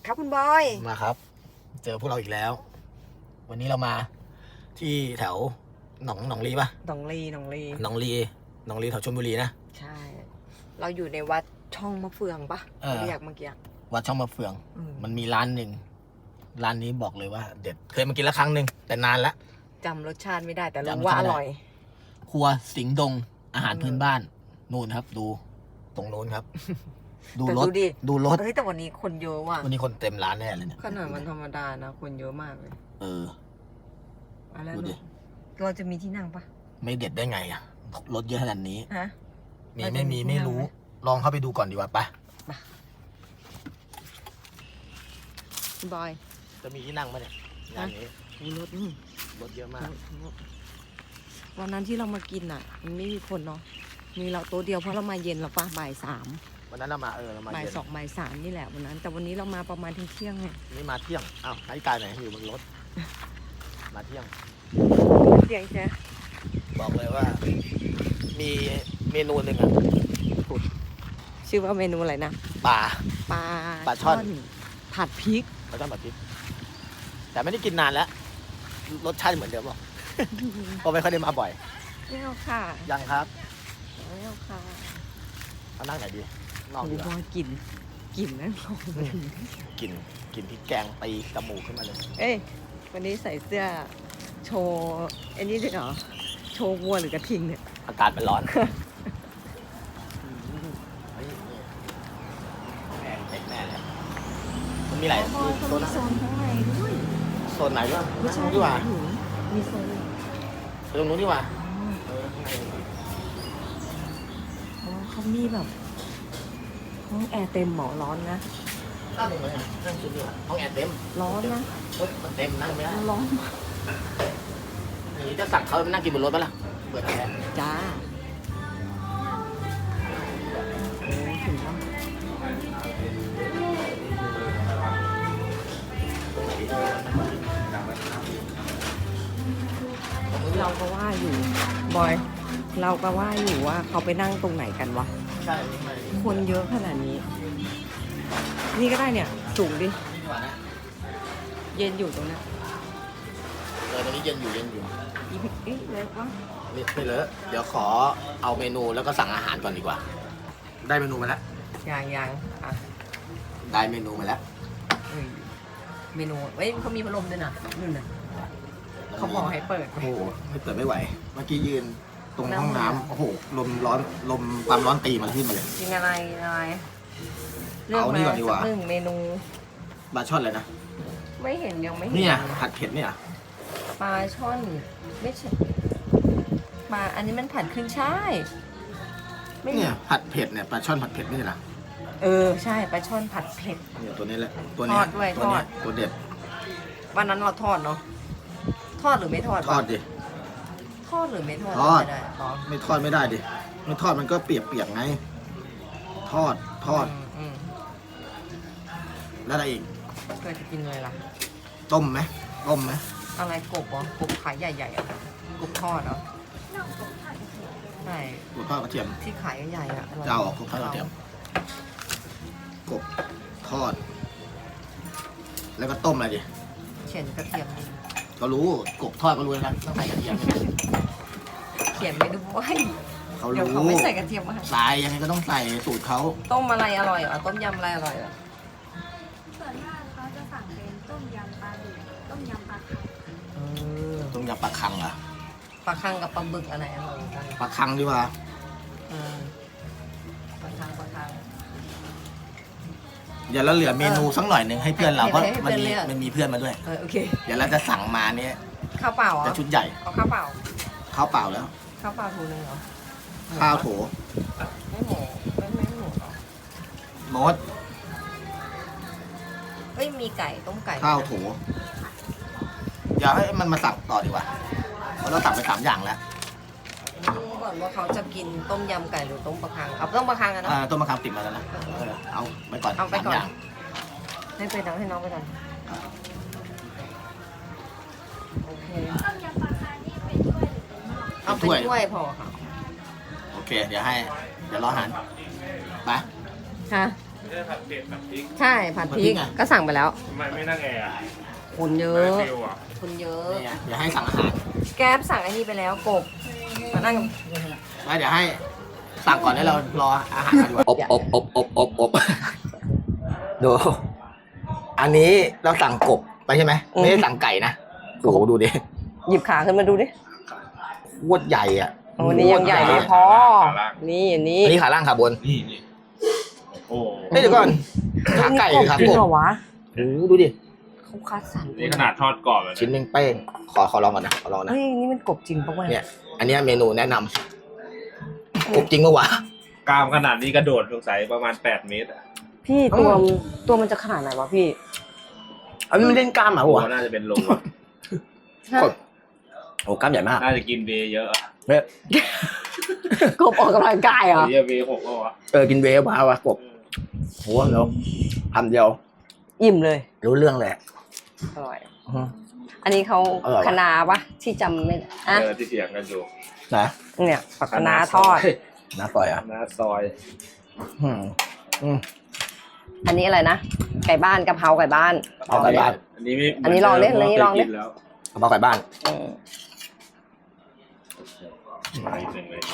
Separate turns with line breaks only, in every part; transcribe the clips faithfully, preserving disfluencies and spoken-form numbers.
ครับคุณบอย
มาครับ เจอพวกเราอีกแล้ว วันนี้เรามาที่แถวหนองหนองลีปะ
หนองลีหนองลี
หนองลีหนองลีแถวชลบุรีนะ
ใช่ เราอยู่ในวัดช่องมะเฟืองปะ
เออ
เรียกเมื่อกี้
วัดช่องมะเฟือง
อืม
มันมีร้านหนึ่งร้านนี้บอกเลยว่าเด็ดเคยมากินแล้วครั้งหนึ่งแต่นานละ
จำรสชาติไม่ได้แต่
จำร
รู้
ส
ว่า
ชาติ
อ
ไม่ได้
ร่อย
ครัวสิงห์ดงอาหาร
อืม
พื้นบ้านนู่นครับ ดูตรงโน้นครับ ดู
แต่
รถ
ดูดิ
ดูรถ
เฮ้ยแต่วันนี้คนเยอะว่ะ
วันนี้คนเต็มร้านแน่เลยเนี่ย
ขนาดวันธรรมดานะคนเยอะมากเลย
เออ
เอาแล้ว
ดูดิ
เราจะมีที่นั่งปะ
ไม่เด็ดได้ไงอะรถเยอะขนาดนี้
ฮะ
มี
เราจะ
ไม่มี
มีที่
ไม่
นั่ง
รู้
ไหม
ลองเข้าไปดูก่อนดีกว่าไป
คุณบอย
จะมีที่นั่งไหมเนี่ยงานนี้
มีรถนี่
รถเยอะมาก
วันนั้นที่เรามากินอ่ะ มันไม่มีคนเนาะมีเราโต๊ะเดียวเพราะเรามาเย็นแล้วปะบ่ายสาม
วันนั้นเรามาเออเรามา
บ่าย
เย็น
สองบ่ายสามนี่แหละวันนั้น แต่วันนี้เรามาประมาณเที่ยงๆไง
นี่มาเที่ยงอ้าวนาฬิกาไหนอยู่บนรถ มาเที่ยง
เที่ยงใช่
บอกเลยว่า มีเมนูหนึ่งอ่ะ
ชื่อว่าเมนูอะไรนะ
ปลา
ปลา
ปลาช่อน
ผัดพริก
ปลาช่อนแบบนี้แต่ไม่ได้กินนานแล้ว รสชาติเหมือนเดิมหรอก เพราะไม่ค่อยได้มาบ่อย
ไม่เอาค่ะ
ยังครับ
ไม่เอาค่ะ
เอานั่งไหนดีนอก
โอ้
ดี
โห
กว่า
กินกลิ่นนั่นลงเลย
กินกินพริกแกงตีจมูกขึ้นมาเลย
เอ้ยวันนี้ใส่เสื้อโชว์ไอ้นี่ด้วยเหรอโชว์วัวหรือกระทิงเนี่ย
อากาศมันร้อน เฮ้ยนี่แพงเต็มแน่เลยมันมีหลาย
อ๋อ
มี
เขา
โซน
มีโซนข้างในด้วย
โซนไหนด้วย
ไม่ใช่
ตรงนู้นดีกว่า
มีโซน
ตรงนู้นดีกว่าเออข้างใน
อ๋อเขามีแบบห้องแอร์เต็มหมอร้อนนะ
นั่งตรงไหนนั่งชุดดีกว่าห้องแอร์เต็ม
ร้อนนะ
รถมันเต็มนั่งไม่ได้
ร้อนมาก
อย่างนี้จะสั่งเขานั่งกินบนรถปะล่ะเปิดแอร์
จ้าโอ้ถึงแล้วเราก็ว่าอยู่บอย เราก็ว่าอยู่ว่าเขาไปนั่งตรงไหนกันวะ
ใช่ไม่
คนเยอะขนาดนี้ นี่ก็ได้เนี่ย สูงดิ
ดีกว่านะ
เย็นอยู่ตรงนั้น
เออตรงนี้เย็นอยู่เย็นอยู่
อีพิกเอ๊ะเล็กวะ
นี่ไม่เลอะเดี๋ยวขอเอาเมนูแล้วก็สั่งอาหารก่อนดีกว่า ได้เมนูมาแล้ว
ยังยังอ่ะ
ได้เมนูมาแล้ว
เอ้ยเมนูเว้ยเขามีพัดลมด้วยนะนู่นน่ะเขาบอกให้เปิด
โอ้โหไม่เปิดไม่ไหว เมื่อกี้ยืนตรงห้องน้ำโอ้โหลมร้อนลมความร้อนตีมันขึ้นมาเลย
กินอะไรกินอะไร
เอานี่ก่อนดีกว่า
เลืมมสัหนึ่งเมนู
ปลาช่อนเลยนะ
ไม่เห็นยังไม่เห็น
เนี่ยผัดเผ็ดเนี่ย
ปลาช่อนไม่ใช่ปลาอันนี้มันผัดขึ้นช่ายไม่
เนี่ยผัดเผ็ดเนี่ยปลาช่อนผัดเผ็ดไม่ใช่เหรอ
เออใช่ปลาช่อนผัดเผ็ด
เนี่ยตัวนี้แหละตัวเนี้
ทอดด้วย
ตัวเนี้
ทอด
ตัวเด็ด
วันนั้นเราทอดเนาะทอดหรือไม่ทอด
ทอด
วะ
ดิ
ทอดหรือไม่ทอด
ทอด
ไม่ได้อ๋อ
ไม่ทอดไม่ได้ดิไม่ทอดมันก็เปียกเปียกๆไง ทอดทอด
มอืม
แล้วอะไรอีก
เคยจะกินอะไรล่ะ
ต้มไหมต้มไหม
อะไรกบเหรอกบขายใหญ่ๆอ่ะกบทอดเนาะใช่
กบทอดกระเทียม
ที่ขายใหญ่ๆอ่ะร่ย
จะเอาออกกบทอดกระเทียมกบทอด แล้วก็ต้มอะไรดิ
เขียนกระเทียมนี่
ก็รู้กบทอดก็รู้แล้วนะต้องใส่กระเทียม
เขียนไม่ดูว่า
เขา
เดี๋ยว
รู้
เขาไม่ใส่กระเทียมมาให้
ใส่ยังไงก็ต้องใส่สูตรเขา
ต้มอะไรอร่อยเหรอต้มยำอะไรอร่อยเหรอ
ส่วนมากเขาจะสั่งเป็นต้มยำปลาดุกต้มยำปลาคัง
เออ
ต้มยำปลาคังเหรอ
ปลาคังกับปลาบึกอะไรอร่อยกัน
ปลาคังดีกว่า
เออปลาคังปลาคัง
เดี๋ยวเราเหลือเมนูสักหน่อยหนึ่งให้เพื่อนเรา
ให้
เพราะ
ให้
มัน
เพื่อน
มี
เลือก
มันมีเพื่อนมาด้วย
เออโอเค
เดี๋ยวเราจะสั่งมาเนี่ย
ข้าวเปล่าเหรอ
จะชุดใหญ่
เอาข้าวเปล่า
ข้าวเปล่าแล้ว
ข้าวเปล่าถูนึงเหรอ
ข้าวโถ
ไม่หมูไม่ไม่หมูเหรอ
มด
เอ้ยมีไก่ต้มไก่
ข้าวโถเดี๋ยวให้มันมาสั่งต่อดีกว่าเพราะเราสั่งไปสามอย่างแล้ว
รู้ก่อนว่าเขาจะกินต้มยำไก่หรือต้มปลาคังเอาต้มปลาคังกันเนาะ
อ่าต้มมะขามติดมาแล้วนะเออเอาไปก่อน
เอาไป
สาม
ก่อน
อย่าง
ให้ไปน้องให้น้องไปก่อนโอเค
ต้มยำปลาคังนี่เป็นถ้วยหรือเป็นหม้อ
เอาเป็นถ้วยพอค่ะ
โอเค เดี๋ยวให้ เดี๋ยวรออาหารไป
ฮะ
ร
ไม่ได้ผัดเผ็ดผัดพริก
ใช่ผัดพริกก็สั่งไปแล้ว
ทำไมไม่นั่งแอร์อะ
คนเย
ไม่
อะ
ฟิวอ่ะ
คนเยอะ
เนี่ยเดี๋ยวให้สั่งอาหาร
แก๊ปสั่งไอ้นี่ไปแล้วกบมานั่ง
ไม่เดี๋ยวให้สั่งก่อนให้เรารออาหารกันดีกว่าอบอบอบอบอบอบดูอันนี้เราสั่งกบไปใช่ไหมไม่ได้สั่งไก่นะโอ้โหดูดิ
หยิบขาขึ้นมาดูดิ
โคตรใหญ่อ่ะ
โอ้นี่ยังใหญ่ไม่พอ นี่อันนี้
อันนี้ขาล่างขาบน
นี่นี่โอ้โห
เฮ้ยเดี๋ยวก่อนขาไก่หรือขา
จริ
ก
ง
บ
เหรอวะ
โอ้โหดูดิ
เขาคัดสรร
นี่ขนาดทอดกรอบเลย
ชิ้นหนึงเป้งขอขอลองก่อนนะขอลองนะ
เฮ้ยนี่มันกบจริงปะวะ
เนี่ย อันเนี้ยเมนูแนะนำกบจริงปะวะ
กล้ามขนาดนี้กระโดดสงสัยประมาณแปดเมตรอ่ะ
พี่ตัวมันตัวมันจะขนาดไหนวะพี่
อันนี้มันเล่นกล้ามเหรอ
โอ้
วะ
น่าจะเป็นโล
กบโอ้กล้ามใหญ่มาก
น่าจะกินเบย์เยอะอะ
เนี่ย
กบออกกำลังกายเหรอ
เรียเบย์หกแล้วอ่ะ
เออกินเวฟมาวะกบโหเดี๋ยวทำเดียว
อิ่มเลย
รู้เรื่องเลย
อร่อย
อือ
อันนี้เขา
อร่อยว่ะ
คะน้าปะที่จำไม่ได้อ่ะ
เออที่เถียงกันอยู่
นะ
เนี่ยผักคะน้าทอด
น้าปล่อยอ่ะ
น้าซอย
อืมอืม
อันนี้อะไรนะ ไก่บ้านกะเพราไก่บ้าน
เอาไก่บ้าน
อันนี้ไม่
อันนี้ลองดิอันนี้ลองดิ
เคยกินแล้ว
กระเพราไก่บ้าน
อืม
มาอีกหนึ่งเลย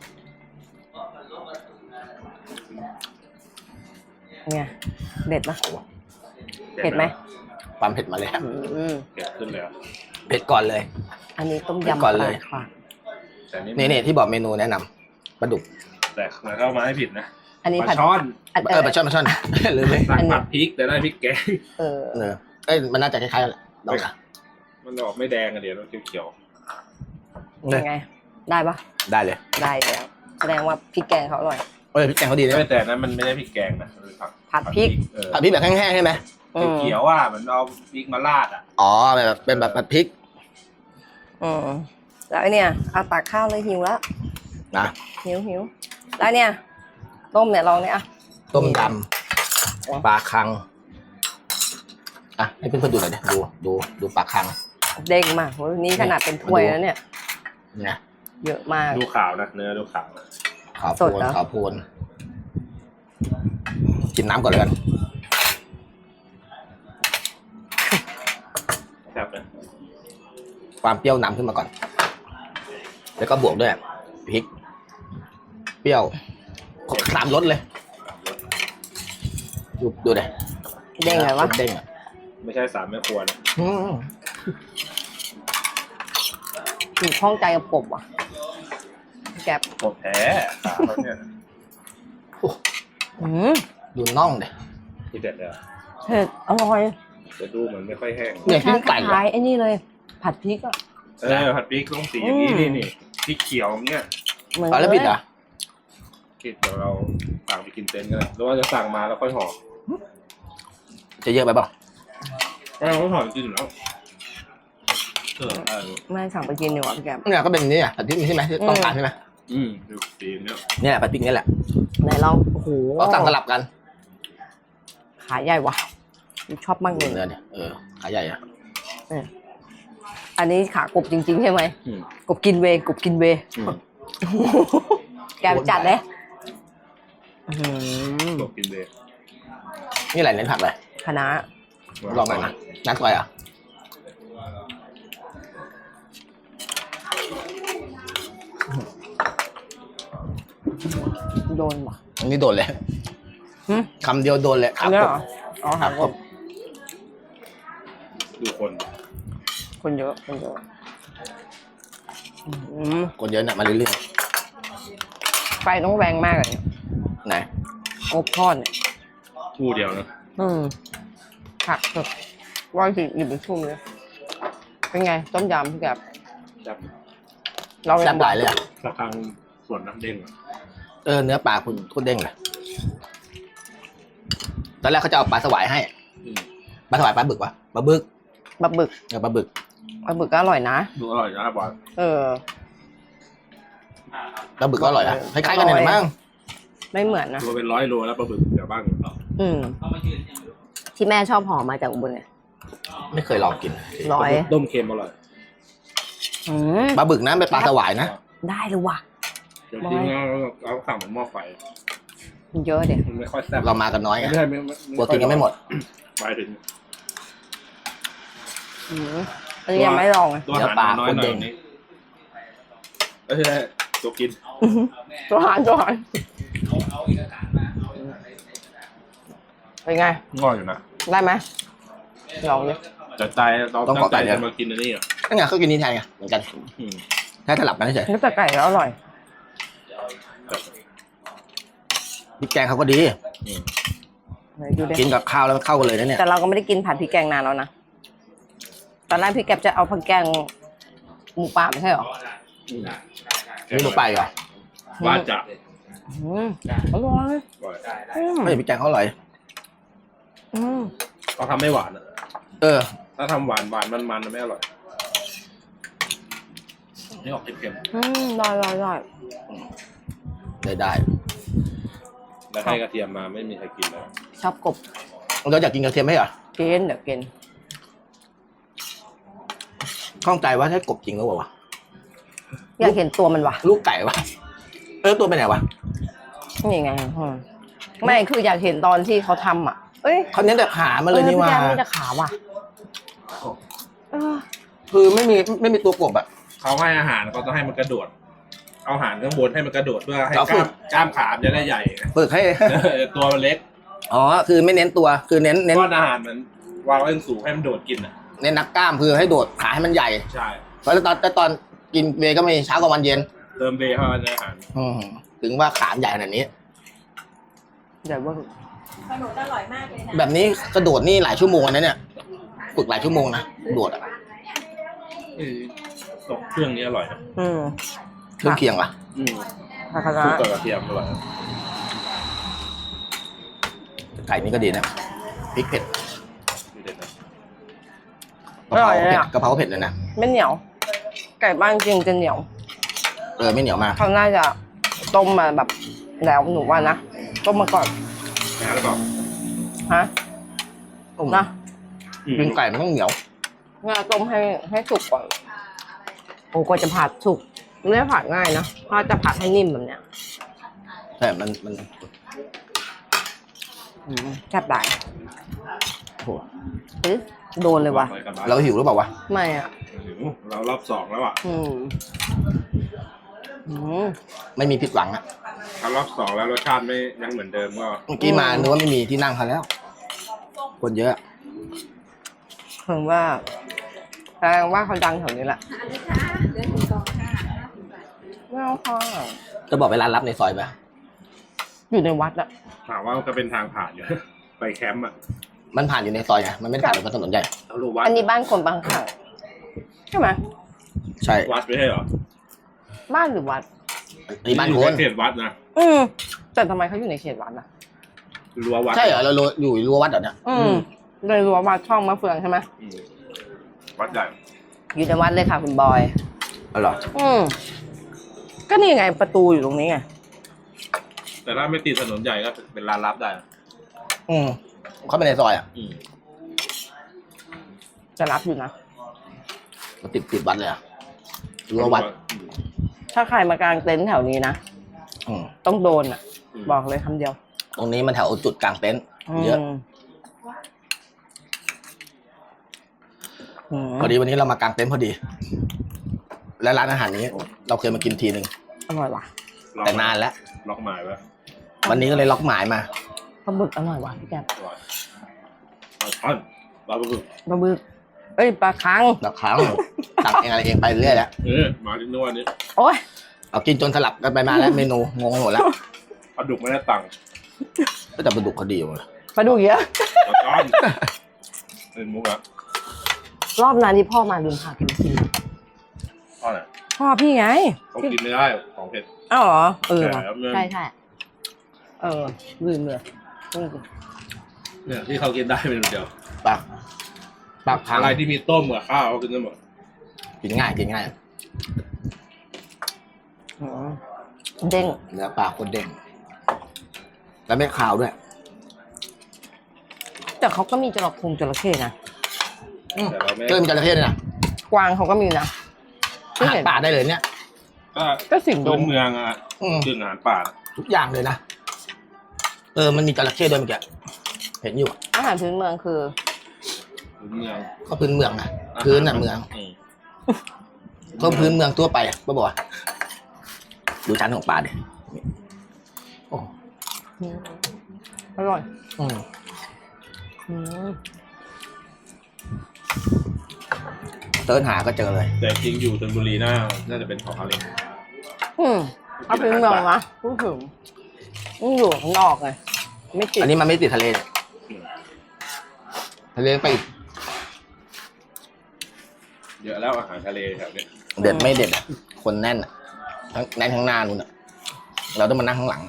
เนี่ยเด็ดปะ เผ็ดไหม
ความเผ็ดมาเลยครับ
อืม
เผ็ดขึ้นเลยอะ
เผ็ดก่อนเลย
อันนี้ต้ม
เผ็ด
ยำ
ก่อนเลย
ปลาค่ะ
แต่นี่
นี่นี่ที่บอกเมนูแนะนำปลาดุก
แต่มันเข้ามาให้ผิดนะ
อันนี้
ป
ผั
ลา
ด
ช่อน
อัน
เออปลาช่อนปลาช่อน ลืมเลย
สั่ง
อันนี้
ผัดพริกแต่ได้พริกแกง
เออ
เออเอ้ยมันน่าจะคล้ายๆกันแหละลองนะ
มันออกไม่แดงอะเดี๋ยวมันเขียว
ยังไง ได้ปะ
ได้เลย
ได้แล้วแสดงว่าพริกแกงเขาอร่อย
เอ้ยพริกแกงเขาดี
ๆ
นะ
ไม่แต่นั้นมันไม่ได้พริกแกงนะมันเป็นผัก
ผัดพริก
เออ
ผัดพริกแบบแห้งๆใช่ไหม
อืม
เขียวๆอ่ะเหมือนเอาพริกมาราดอ่ะ
อ๋อแบบเป็นแบบผัดพริก
อืมแล้วไอ้เนี่ยเอาตักข้าวเลยหิวแล้ว
นะ
หิวหิวแล้วเนี่ยต้มเนี่ยลองเนี่ยอ่ะ
ต้มยำปลาคังอ่ะให้เพื่อนๆดูหน่อยดิดูดูดูปลาคัง
เด้งมากโหนี่ขนาดเป็นถ้วยแล้วเนี่ย
เนี่ย
เยอะมาก
ดูขาวนะเนื้อดูขาวนะ
ขาวโพ
สด
ลน
เหรอ
ขาวโพลนกินน้ำก่อนเลยกัน
ครับนะ
ความเปรี้ยวนำขึ้นมาก่อน แล้วก็บวกด้วยพริก เปรี้ยวสามรสเลย ดูดูเลย
เด้งไงวะ
เด้งอ่ะ
ไม่ใช่สามแม่ครัวนะ
อืม
ถึงข้องใจกับกบว่ะแกบ
กบแท้ขาเขาเนี่ย
อืม
ดูน่องเดย
ที่เด็ดเลยอะ
เผ็ดอร่อย
จะดูเหมือนไม่ค่อยแห้ง
เนี่ยชิ้นไก่
ค
อะ
ล้ายๆไอ้นี่เลย ผัดพริกอ่ะ
เออผัดพริกต้องสีอย่างนี้
อืม
นี่นี่พริกเขียวเนี่ย
เหมือน
อ๋อแล้วผิดเหรอ
คิดเดี๋ยวเราสั่งไปกินเต็นท์กันเลยหรือว่าจะสั่งมาแล้วค่อยห่อ
จะเยอะไปเปล่า
ก็เราก็ห่อกินอยู่แล้วเออเออ
ไม่สั่งไปกินดีกว่าพี่แกบ
เนี่ยก็เป็นนี่อ่ะผัดพริกนี่ใช่ไหมที่ต้องการใช่ไหม
อืมดูสีเนี่ย
เนี่ยผัดพริกนี่แหละ
ไหนลองโอ้โห
เราสั่งสลับกัน
ขาใหญ่ว่ะชอบมากเลย
เนื้อเนี่ยเออขาใหญ่อะ
อันนี้ขากบจริงๆใช่ไหม
อืม
กบกินเวย์กบกินเวย์
อืม
แกไปจัดเลยอื้อหือ
กบกินเลย
นี่อะไรเน้นผักเลย
คณะ
ลองหน่อยนะน้ำซอยอ่ะ
โดนว่ะ
อันนี้โดนเลย
หึ
คำเดียวโดนเลย
อันนี้เหรออ๋อ
ขา
หาก ก
บบ
ดูคน
คนเยอะคนเยอะอื้อหือ
คนเยอะเนี่ยมาเรื่อย
ไฟต้องแรงมากเลย
ๆไหน
กบทอดเนี่ย
คู่เดียวนะ
อืมผักสดร้อยสิบหยิบไปชุ่มเลยเป็นไงต้มยำพี่แกบ
จับ
เรา
แซ่บหลายเลยอ่ะ
สักครั้งส่วนน้ำเด้งอะ
เออเนื้อปลาคุณคุณเด้งเลยตอนแรกเขาจะเอาปลาสวายให้
อืม
ปลาสวายปลาบึกวะปลาบึก
บะบึก
เออปลาบึก
บะบึกก็อร่อยนะ
ดูอร่อยนะบอล
เออ
ปลาบึกก็อร่อยนะคล้ายๆกันเนี่ยมั้ง
ไม่เหมือนนะ
ตัวเป็นร้อยโลแล้วปลาบึกเดี๋ยวบ้าง
อืมที่แม่ชอบห่อมาจากอุบลเนี่ย
ไม่เคยลองกิน
ร้อย
ต้มเค็มอร่อย
อืม
ปลาบึกนะเป็นปลาสวายนะ
ได้เลยว่ะ
เดี๋ยวจริงๆเราเราสั่งเหมือนหม้อไฟ
เยอะเด็
มันไม่ค่อยแซ่บ
เรามากันน้อยไง
ไม่ใช่ไม่
กลัวกินกันไม่หมด
หมายถึง
อืมอันนี้ยังไม่ลองเลย
ตัวอาหารน้อยหน่อยนี้ไม่ใช่ตัวกิน
ตัวหารตัวหารเป็นไง
ง่อยอยู่นะ
ได้ไหมลองดิ
แต่ใจเรา
ต้อง
ตั้
ขอ
งใจ
ไก่เนี่ย
จะมากินอันนี้อ่ะ
นั่นไงก็กินนี่แทนไงเหมือนกัน
อืม
แค่สลับกันเฉย
เนื้อแต่ไก่แล้วอร่อย
แต่
พริกแกงเขาก็ดี
อืม
ไหนดูดิ
กินกับข้าวแล้วเข้ากันเลยนะเนี่ย
แต่เราก็ไม่ได้กินผัดพริกแกงนานแล้วนะตอนแรกพี่แกบจะเอาผัดแกงหมูป่าไม่ใช่หรอ
อืม
นี่หนูไปเหรอ
ว่าจะ
อืมอร่อย
บ่อย
อืม
ไม่ใช่พริกแกงเขาอร่อย
อืม
เขาทำไม่หวานอ่ะ
เออ
ถ้าทำหวานหวานมันมันๆไม่อร่อยนี่ออกเค็ม
อืมได้ได้ได้
ได้ได้
ๆแล้วให้กระเทียมมาไม่มีใครกินแล้ว
ชอบกบ
เราอยากกินกระเทียมไหมเหรอ
กินเดี๋ยวกิน
ข้องใจว่าใช่กบจริงหรือเปล่าวะ
อยากเห็นตัวมันว่ะ
ลูกไก่วะเออตัวไปไหนวะ
นี่ไงอืมไม่คืออยากเห็นตอนที่เขาทำอ่ะ เอ้ย
เขาเน้นแต่ขามันเลยนี่ว่า
พี่แกไม่ได้ขาว่ะเออ
คือไม่มีไม่มีตัวกบอะ
เขาให้อาหารเขาต้องให้มันกระโดด เอาอาหารข้างบนให้มันกระโดดเพื่อให้
เอา
ก
ฝึ
ล้าก มกล้ามขามันจะได้ใหญ่ไง
ฝึกให้
เออตัวมันเล็ก
อ๋อคือไม่เน้นตัวคือเน้นเน้น
ก้อนอาหารมันวางไว้สูงให้มันโดดกินอ่ะ
เน้นนักกล้ามคือให้โดดขาให้มันใหญ่
ใช่
เพราะตอนแต่ตอนกินเวย์ก็มีเช้ากับวันเย็น
เติมเบย์เข้าไปในอาหาร
อืมถึงว่าขาใหญ่ขนาดนี้
เดี๋ยวว่า
ขนมอร่อยมากเลยนะ
แบบนี้กระโดดนี่หลายชั่วโมงนะเนี่ยฝึกหลายชั่วโมงนะโดดอะ
เออตกเครื่องนี้อร่อยนะ
อืม
เครื่องเคียงวะ
อืม
ผักคะ
คลุก
น้า
กับกระเทียมอร่อยนะ
ไก่นี่ก็ดีนะพริกเผ็ด
มีเด็ดนะ
กะเพราเผ็ดกะเพราเผ็ดเลยนะ
ไม่เหนียว ไก่บ้านจริงจะเหนียว
เออไม่เหนียวมาก
เขาน่าจะต้มมาแบบแล้วหนูว่านะต้มมาก่อน
นะแล้วก็
ฮะนะ
อืม
กินไก่มันต้องเหนียว
ง่าต้มให้ให้สุกก่อนโอ้กว่าจะผัดสุกไม่ได้ผัดง่ายนะถ้าจะผัดให้นิ่มแบบเนี้ย
แต่มันมัน
อืมแซ่บหลาย
โอ้โห
เฮ้ยโดนเลยว่ะ
ไกันบ้าง
เราหิวหรือเปล่าวะ
ไม่อ่ะ
หิวเรารอบสองแล้วอ่ะ
อืมอืม
ไม่มีผิดหวังอะ
ถ้ารอบสองแล้วรสชาติไม่ยังเหมือนเดิมก็
เมื่อกี้มานึกว่าไม่มีที่นั่งเขาแล้ว คนเยอะ
ถึงว่าแสดงว่าเขาดังแถวนี้แหละ
อันนี้ค่ะเหลือสี่กล่องค่ะ
ไม่เอาค่ะ
จะบอกเวลารับในซอยไป
อยู่ในวัดอะ
ถามว่าก็เป็นทางผ่านอยู่ ไปแคมป์อ่ะ
มันผ่านอยู่ในซอยไงมันไม่ได้ผ่านบนถนนใหญ่
เรารู้วัด
อันนี้บ้านคนบางขังใช่ไหม
ใช่
วัดไม่ใช่เหรอ
บ้านหรือวัด
นี่บ้านคน
เขตวัดนะ
อืมแต่ทำไมเขาอยู่ในเขตวัดอะ
รั้ววัด
ใช่เหรอเราอยู่รั้ววัดเหรอเนี่ย
อืมเลยรั้ววัดช่องมะเฟืองใช่ไหม
อืมวัดใหญ่
อยู่ในวัดเลยค่ะคุณบอย
อ๋อเหรอ
อืมก็นี่ไงประตูอยู่ตรงนี้ไง
แต่ถ้าไม่ติดถนนใหญ่ก็เป็นร้านลับได้นะ
อืมเขาไปในซอยอ่ะ
อืม
จะรับอยู่นะ
มันติดติดวัดเลยอ่ะรั้ววัด
อืม
ถ้าใครมากางเต็นท์แถวนี้นะ
อืม
ต้องโดนอ่ะ
ม
บอกเลยคำเดียว
ตรงนี้มันแถวจุดกลางเต็นท์เยอะ
มอืม
พอดีวันนี้เรามากางเต็นท์พอดี และร้านอาหารนี้ เราเคยมากินทีหนึ่ง
อร่อยว่ะ
ล็อก
แต่นานแล้ว
ล็อกหมายไว้
วันนี้ก็เลยล็อกหมายมา
ปลาบึกอร่อยว่ะพี่แกบ
อร่อยปลาช่อนปลาบึก
ปลาบึกเอ้ยปลาคัง
แล้วครั้งสั่งเองอะไรเองไปเรื่อยแล้ว
เออมาที่นวดนี้
โอ้ย
เอากินจนสลับกันไปมาแล้วเมนูงงหมดแล้ว
ปลาดุกไม่ได้ตังค์
ก็แต่ปลาดุกเขาดีอยู่เลย
ปลาดุกเยอะ
ปลาช่อนเป็นมุกอะ
รอบนั้นที่พ่อมาลืมพาแกไปกิน
พ่อไหน
พ่อพี่ไง
เขากินไม่ได้ของเผ็ด
อ้าวเหรอเออ
ใช่
ว่ะ
ครับเนี่ย
ใช่ใช่เออลืมเลยอืม
เนี่ยที่เขากินได้เป็นเดียว
ปลาปลาคัง
อะไรที่มีต้มกับข้าวเขากินได้หมด
กินง่ายกินง่าย
อืมเด้ง
เนื้อปลาโคนเด้งแล้วไม่คาวด้วย
แต่เขาก็มีจระคงจระเข้นะ
แต่เราไม่
เจอมีจระเข้ด้วยนะ
กวางเขาก็มีนะ
อาหารป่าได้เลยเนี่ย
ก็
ก็สิ่งด
พื้
ง
นเมืองอะ
อืม
คืออาหารป่า
ทุกอย่างเลยนะเออมันมีจระเข้ด้วยเมื่อกี้เห็นอยู่อะ
อาหารพื้นเมืองคือ
เมือง
ก็พื้นเมืองนะพื้นน่ะเมือง
อืม
ก็พื้นเมืองทั่วไปอะป้าบอกว่าดูชั้นของปลาดิโอ้
อร่อย
อืม
อืม
เติร์นหาก็เจอเลย
แต่จริงอยู่ชลบุรีน่าน่าจะเป็นของอะไร
อืมเอาพื้นเมืองนะพูดถึงมันอยู่ข้างนอกไงไม่ติด
อันนี้มันไม่ติดทะเลเนี่ยทะเลไปอีก
เยอะแล้วอาหารทะเลแถวเนี้ย
เด็ดไม่เด็ดอ่ะคนแน่นอ่ะทั้งแน่นข้างหน้านู่นอ่ะเราต้องมานั่งข้างหลัง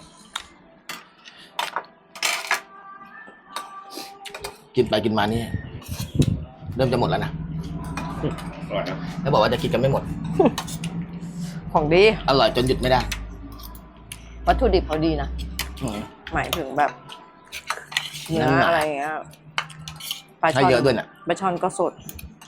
กินไปกินมานี่เริ่มจะหมดแล้วนะ
อร่อยนะ
แล้วบอกว่าจะกินกันไม่หมด
ของดี
อร่อยจนหยุดไม่ได้
วัตถุดิบเขาดีนะ
อืม
หมายถึงแบบเนื้อ
น้ำหนัก
อะไรอย่างเงี้ยปลา
ให้
ช่อน
เยอะด้วยน่ะ
ปลาช่อนก็สด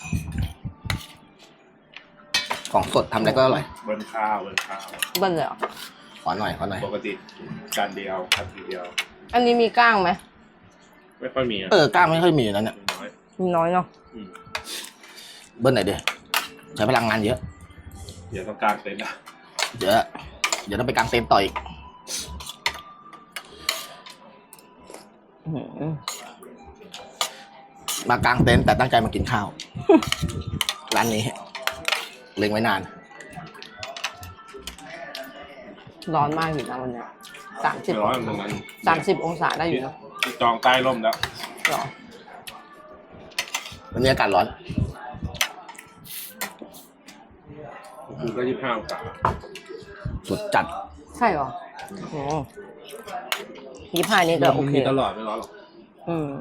ของสดทำอะไรก็อร่อย
เบิ้ลข้าวเบิ้ลข้าว
เบิ้ลเลยเหรอ
ขอหน่อยขอหน่อย
ปกติจานเดียวครับทีเดียว
อันนี้มีก้างไหม
ไม่ค่อยมีอ่ะ
เออกล้างไม่ค่อยมีแล้วเนี่ย
น้อย
มีน้อยเนาะ
อืม
เบิ้ลไหนอยดิใช้พลังงานเยอะ
เดี๋ยวต้องการเต็นท์นะ
เดี๋ยวเดี๋ยวต้องไปกางเต็นท์ต่ออีก
อื้อหือ
มากางเต็นท์แต่ตั้งใจมากินข้าว ร้านนี้เล็งไว้นาน
ร้อนมากอยู่นะวันเนี้ยสามสิบ
ไม่ร้อยเหมือนกัน
สามสิบองศาได้อยู่นะ
ที่จองใต้ร่มแล้ว
หรอ
วันนี้อากาศร้อน
คือก็ยี่สิบห้าองศา
สุดจัด
ใช่เหรอโอ้ยี่ห้านี่ก็โอ
มัน
เค
มีตลอดไม่ร้อนหรอก
อืม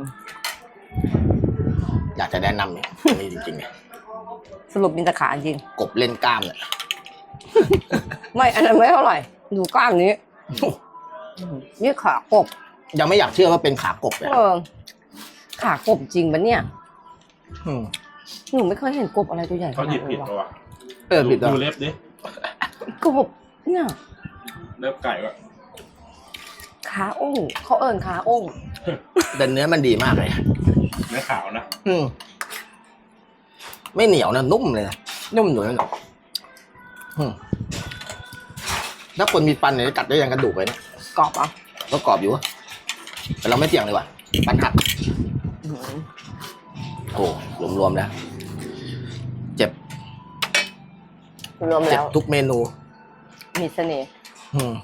อยากจะแนะนำเนี่ยนี่จริงๆเนี่ย
สรุปมีแต่ขาจริง
กบเล่นกล้ามเนี่ย
ไม่อันนั้นไม่เท่าไหร่ดูกล้ามนี้นี่ขากบ
ยังไม่อยากเชื่อว่าเป็นขากบเลย
เออขากบจริงปะเนี่ย
ม
หนูไม่เคยเห็นกบอะไรตัวใหญ่ข
เขา
นา
หยิ
ด
บผิ
นี้
ด
วะ
ปะวะ
เออผิดแล้ว
ดูเล็บดิ
กบเนี่ย
เล็บไก่วะ
ขาโอ้งเขาเอิญขาโอ้ง
แต่เนื้อมันดีมากเลย
เนื้อขาวนะ
อืมไม่เหนียวนะนุ่มเลยนะนุ่มหนุ่ยนะอืมถ้าคนมีฟันเนี่ยจะกัดได้ยังกระดูกเลยนะ
กรอบอ่ะ
ก็กรอบอยู่อะแต่เราไม่เสี่ยงเลยว่ะฟันหัก
อื้อหือ
โอ้รวมๆแล้ว เจ็บ
รวม
เจ็
แล้
บ
ว
ทุกเมนู
มีเสน่ห์
อืม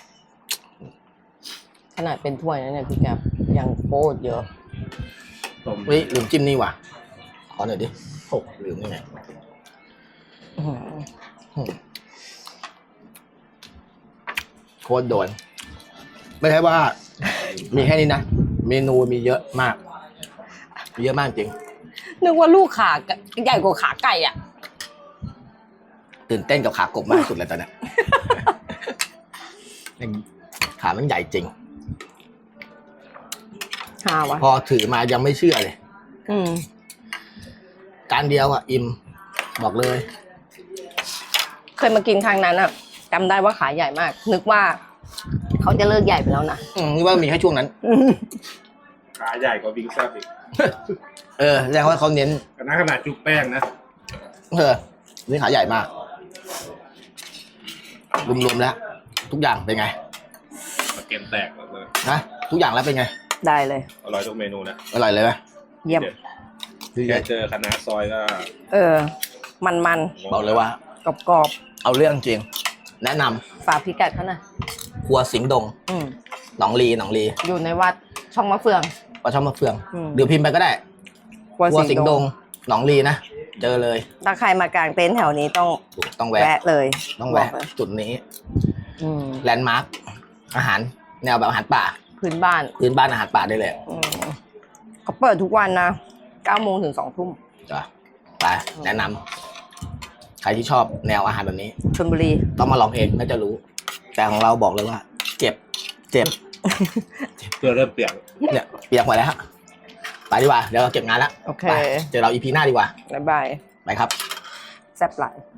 ขนาดเป็นถ้วยนะเนี่ยพี่แกบยังโคตรเยอะ
ต้ม
เฮ้ยลืมจิ้มนี่ว่ะขอหน่อยดิโอ้ลืมนี่ไง
อื้อหือ
อืมโคตรโดน ไม่ใช่ว่า มีแค่นี้นะ เมนูมีเยอะมากมีเยอะมากจริง
นึกว่าลูกขาใหญ่กว่าขาไก่อ่ะ
ตื่นเต้นกับขากบมากสุดเลยตอนเนี้ย ขามันใหญ่จริง
หาวะ
พอถือมายังไม่เชื่อเลย
อืม
การเดียวอ่ะ อิ่มบอกเลย
เคยมากินครั้งนั้นอ่ะจำได้ว่าขาใหญ่มาก นึกว่าเขาจะเลิกใหญ่ไปแล้วนะ
อืมนี่ว่ามีแค่ช่วงนั้น
ขาใหญ่กว่าวิงแซ่บอีก
เออแสดงว่าเขาเน้น
ขนาดขนาดจุ๊บแป้งนะ
เออนี่ขาใหญ่มาก รวมๆแล้ว ทุกอย่างเป็นไง
เกมแตกหมดเลย
นะทุกอย่างแล้วเป็นไง
ได้เลย
อร่อยทุกเมนูนะ
อร่อยเลยไหม
เยี่ยม
แค่เจอคณะซอยก็
เออ มันมัน
บอกเลยว่า
กรอบกรอบ
เอาเรื่องจริง แนะนำ
ๆฝากพิกัดเขาหน่อย
ครัวสิงห์ดง
อืม
หนองลีหนองลี
อยู่ในวัดช่องมะเฟือง
ปลาช่อมมะเฟือง
อืม
เดี๋ยวพิมพ์ไปก็ได้
ครัว
ครัว
สิ
สิ
ง
ง
ห์
ห์
ด
ด
ง
งหนองลีนะเจอเลย
ถ้าใครมากางเต็นท์แถวนี้ต้อง
ต้องแวะ
แวะเลย
ต้องแวะ
บกเลย
จุดนี้
อืม
แลนด์มาร์คอาหาร แนวแบบอาหารป่า
พื้นบ้าน
พื้นบ้านอาหารป่าได้เลย
อืมเขาเปิดทุกวันนะเก้าโมงถึงสองทุ่ม
จ้ะไปแนะนำใครที่ชอบแนวอาหารแบบนี้
ชลบุรี
ต้องมาลองเองน่าจะรู้ แต่ของเราบอกเลยว่า เจ็บ เจ็บ
เพื่อเริ่มเปลี่ยน
เนี่ยเปียกหมดแล้วฮะไปดีกว่า เดี๋ยวเราเก็บงานแล้ว
โอเค
ไปเจอเราอีพีหน้าดีกว่า
บ๊ายบาย
ไปครับ
แซ่บหลาย